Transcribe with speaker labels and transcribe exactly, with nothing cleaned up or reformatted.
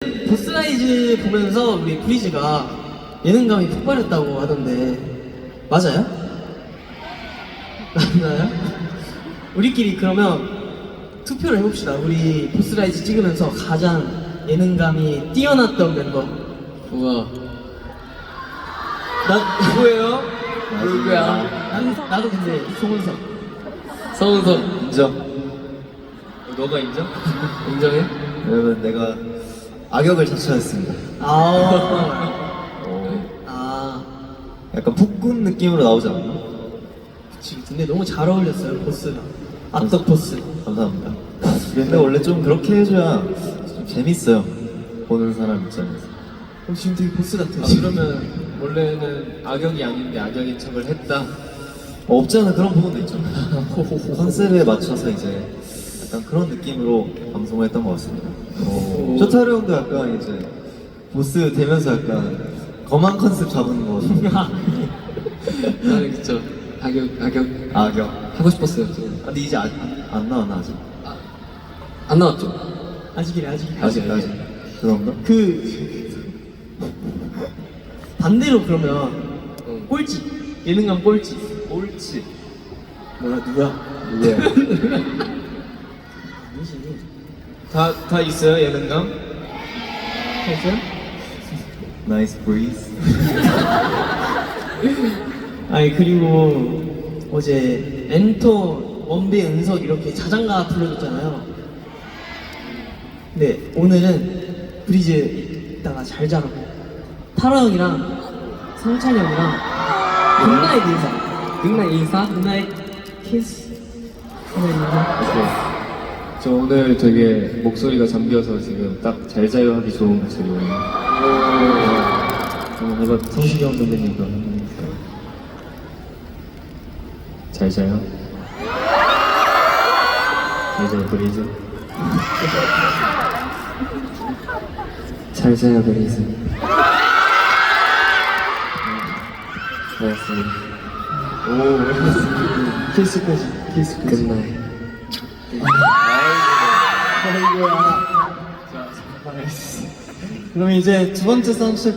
Speaker 1: 보스라이즈 보면서 우리 브리즈가 예능감이 폭발했다고 하던데 맞아요? 맞나요? 우리끼리 그러면 투표를 해봅시다. 우리 보스라이즈 찍으면서 가장 예능감이 뛰어났던 멤버.
Speaker 2: 우와.
Speaker 1: 나
Speaker 2: 누구예요?
Speaker 3: 누구야?
Speaker 1: 나도, 나도 근데 송은석.
Speaker 2: 서은석.
Speaker 3: 인정.
Speaker 2: 너가 인정? 인정해?
Speaker 3: 여러분 내가 악역을 자처했습니다.
Speaker 1: 아,
Speaker 3: 어,
Speaker 1: 아,
Speaker 3: 약간 폭군 느낌으로 나오지 않나?
Speaker 1: 그치. 근데 너무 잘 어울렸어요 보스가. 악덕 보스.
Speaker 3: 감사합니다. 근데 원래 좀 그렇게 해줘야 좀 재밌어요. 보는 사람 입장에서.
Speaker 1: 어, 지금 되게 보스 같아.
Speaker 2: 아, 그러면 원래는 악역이 아닌데 악역인 척을 했다.
Speaker 3: 어, 없지 않아 그런 부분도 있죠. 컨셉에 맞춰서 이제 약간 그런 느낌으로 방송을 했던 것 같습니다.
Speaker 2: 오.
Speaker 3: 쇼타르 형도 약간 이제 보스 되면서 약간 거만 컨셉 잡은 거.
Speaker 2: 나는 그쵸. 악역, 악역
Speaker 3: 악역.
Speaker 2: 하고 싶었어요. 지금.
Speaker 3: 아, 근데 이제 안, 안 나왔나 아직?
Speaker 2: 안 나왔죠?
Speaker 1: 아직이래 아직이래.
Speaker 3: 아직 아직. 그런가?
Speaker 1: 그 반대로 그러면
Speaker 2: 응.
Speaker 1: 꼴찌 예능감 꼴찌
Speaker 3: 옳지.
Speaker 1: 뭐야 누구야?
Speaker 3: 누구야?
Speaker 1: 아니지.
Speaker 2: 다, 다 있어요, 예능감?
Speaker 1: 했어요?
Speaker 3: 나이스 브리즈.
Speaker 1: 아니 그리고 어제 엔터 원빈 은석 이렇게 자장가 불러줬잖아요. 근데 오늘은 브리즈 이따가 잘 자라고 타로 형이랑 성찬이 형이랑 굿나잇 인사
Speaker 2: 빅나 인사?
Speaker 1: 굿나잇 키스 굿나잇 인사.
Speaker 2: 오케이. 저 오늘 되게 목소리가 잠겨서 지금 딱 잘 자요 하기 좋은 목소리거든요. 한번 해봐.
Speaker 1: 성식이 형 선배님 거
Speaker 2: 잘 자요. 잘 자요, 브리즈. 잘 자요, 브리즈. 고맙습니다.
Speaker 1: 오 키스까지 키스까지.
Speaker 2: 끝나요.
Speaker 1: 아이고야. 그럼 이제 두 번째 사운드